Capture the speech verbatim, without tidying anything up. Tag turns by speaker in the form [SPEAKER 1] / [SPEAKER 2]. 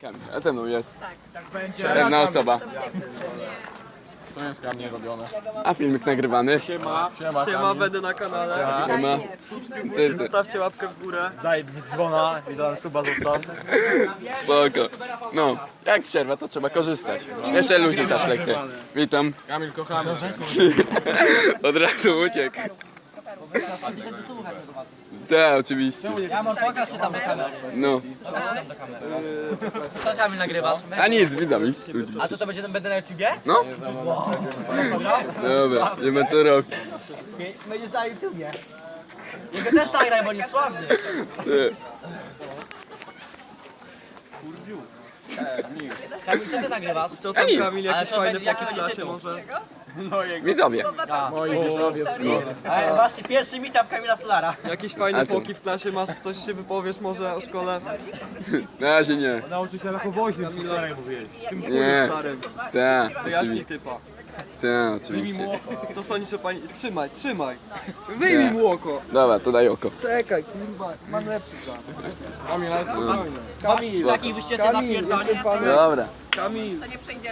[SPEAKER 1] Kamil, a ze mną jest
[SPEAKER 2] Tak będzie.
[SPEAKER 1] pewna osoba.
[SPEAKER 2] Co jest Kamil robione?
[SPEAKER 1] A filmik nagrywany.
[SPEAKER 2] Siema. Siema,
[SPEAKER 3] Siema, będę na kanale.
[SPEAKER 1] Siema. Cześć.
[SPEAKER 3] Zostawcie łapkę w górę.
[SPEAKER 2] Zajeb dzwona i dałem suba zostaw.
[SPEAKER 1] Spoko. No, jak przerwa, to trzeba korzystać. Jeszcze luźniej ta lekcja. Witam.
[SPEAKER 2] Kamil, kochamy cię.
[SPEAKER 1] Od razu uciekł. Tak, oczywiście.
[SPEAKER 4] Ja mam pokaż czy tam do kamery.
[SPEAKER 1] No.
[SPEAKER 4] Co Kamil nagrywasz?
[SPEAKER 1] A nic, z widzami.
[SPEAKER 4] A to to będzie będę na YouTubie?
[SPEAKER 1] No. Dobra, nie ma co robić.
[SPEAKER 4] Będziesz na YouTubie. Jego też nagraj, bo nie sławny. Kamil, co ty nagrywasz?
[SPEAKER 3] Co tam
[SPEAKER 1] nic.
[SPEAKER 3] Kamil,
[SPEAKER 4] Ale
[SPEAKER 3] jakieś
[SPEAKER 4] to
[SPEAKER 3] fajne
[SPEAKER 4] będzie-
[SPEAKER 3] foki w
[SPEAKER 4] jaki
[SPEAKER 3] klasie
[SPEAKER 4] tytuł?
[SPEAKER 3] może?
[SPEAKER 1] Widzowie.
[SPEAKER 4] Ale właśnie pierwszy meetup Kamila Stolara.
[SPEAKER 3] Jakieś fajne
[SPEAKER 1] A co?
[SPEAKER 3] foki w klasie masz? Coś się wypowiesz może o szkole?
[SPEAKER 1] Na razie nie.
[SPEAKER 2] Nauczyciela po woźnie, co wczoraj mówiłeś.
[SPEAKER 3] Tym
[SPEAKER 1] Nie.
[SPEAKER 3] starym.
[SPEAKER 1] Tak,
[SPEAKER 3] Wyjaśnij
[SPEAKER 1] oczywiście.
[SPEAKER 3] typa.
[SPEAKER 1] Tak, oczywiście.
[SPEAKER 3] Co sądzisz o pani... Trzymaj, trzymaj. Wyjmij mu oko.
[SPEAKER 1] Dobra, to daj oko.
[SPEAKER 3] Czekaj, kurwa, mam lepszy plan.
[SPEAKER 2] Kamil, ale spokojnie.
[SPEAKER 4] Kamil, takich wyściece napierdolnie.
[SPEAKER 1] Dobra.
[SPEAKER 3] Kamil.